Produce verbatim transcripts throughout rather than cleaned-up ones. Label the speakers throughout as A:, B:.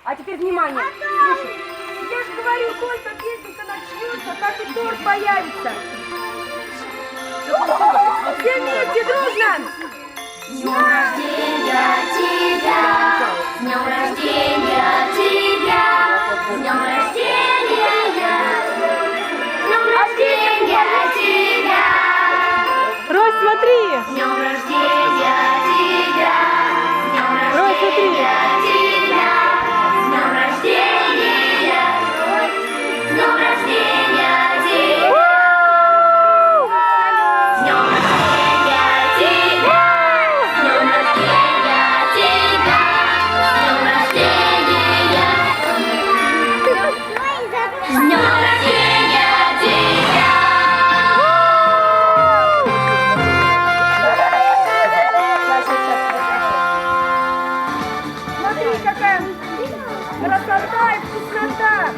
A: А теперь внимание. Слушай, я же говорю, только песенка начнется, так и торт появится. Все вместе, дружно!
B: С днем рождения тебя! С днем рождения тебя! С днем рождения! С днем рождения тебя!
C: Рось, смотри!
B: С днем рождения тебя! С днем
C: Рось, смотри!
B: рождения тебя! С днем рождения! С днем рождения тебя! С днем рождения тебя! С днем рождения тебя! С днем рождения! С днем рождения тебя!
A: Смотри, какая красота и вкуснота!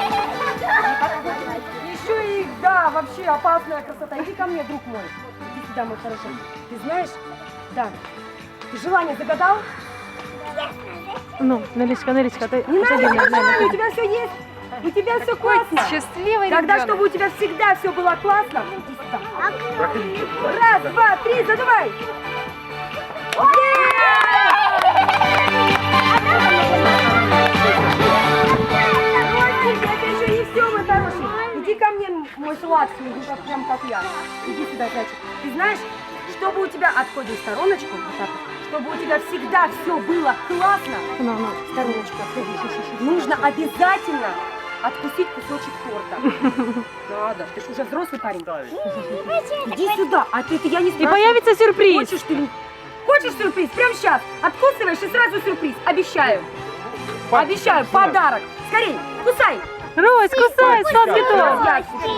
A: Еще и, да, вообще опасная красота. Иди ко мне, друг мой. Иди сюда, мой хороший. Ты знаешь, да, ты желание загадал?
C: Ну, Нелечка, Нелечка, ты...
A: Не надо
C: Подожди,
A: желания,
C: Неля,
A: у тебя все есть. У тебя все классно.
C: Счастливый
A: Тогда,
C: ребенок.
A: чтобы у тебя всегда все было классно, иди сюда. Раз, два, три, задувай. Ростик, это еще не все, мой хороший. Иди ко мне, мой сладкий, иди как, прям как я. Иди сюда, зайчик. Ты знаешь, чтобы у тебя, отходим в стороночку, вот так вот, чтобы у тебя всегда все было классно,
C: Ну, ну.
A: стороночку отходишь, нужно обязательно откусить кусочек торта. Надо, ты же уже взрослый парень. Иди сюда, а ты, ты я не
C: И
A: спрашиваю.
C: появится сюрприз.
A: Хочешь ты? Хочешь сюрприз? Прямо сейчас. Откусываешь и сразу сюрприз. Обещаю. Обещаю. Подарок. Скорей, кусай.
C: Рось, кусай, сладкий торт.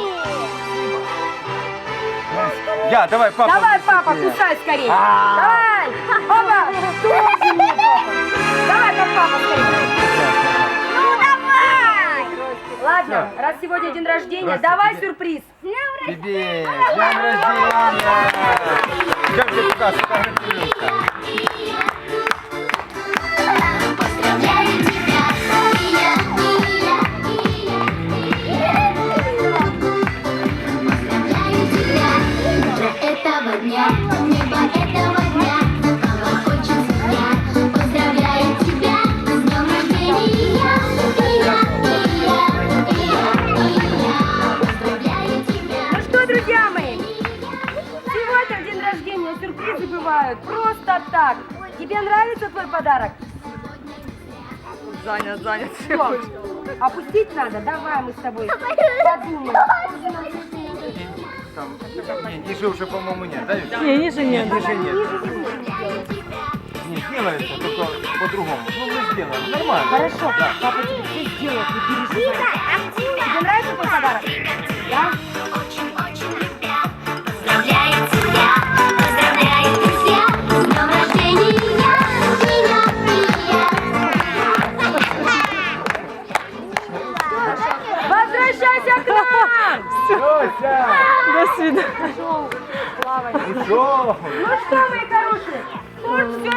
D: Я, давай, папа.
A: Давай, папа, кусай скорее. Давай. Опа. Тоже мне, папа. Давай, как папа, скорее.
B: Ну давай!
A: Ладно, раз сегодня день рождения, давай сюрприз.
D: Тебе, с днем рождения! Как тебе пока сфотографируемся?
B: Поздравляю тебя, и я, и я, и я. Поздравляю тебя, утро этого дня, небо этого дня, папа очень семья. Поздравляю тебя, с днем рождения, и я, и я, и я, и я. Поздравляю тебя.
A: Ну что, друзья мои, сегодня в день рождения сюрпризы бывают просто так. Тебе нравится твой подарок?
C: Занят, занят.
A: Все. Опустить надо? Давай мы с тобой подумаем.
D: Там, не, ниже уже, по-моему, нет, да? Вик?
C: Не, ниже нет.
D: Ниже нет. Не, делается, только по-другому. Ну, мы сделаем, нормально.
A: Хорошо, папа тебе все сделает, не переживай. Тебе нравится твой подарок? Да?
B: Очень-очень любят. Поздравляю тебя, поздравляю, друзья, с днем рождения, и я, и я.
A: Возвращайся к нам!
D: Дося!
C: До свидания.
A: Пошел плавать.
D: Ушел!
A: Ну что, мои хорошие, вот все.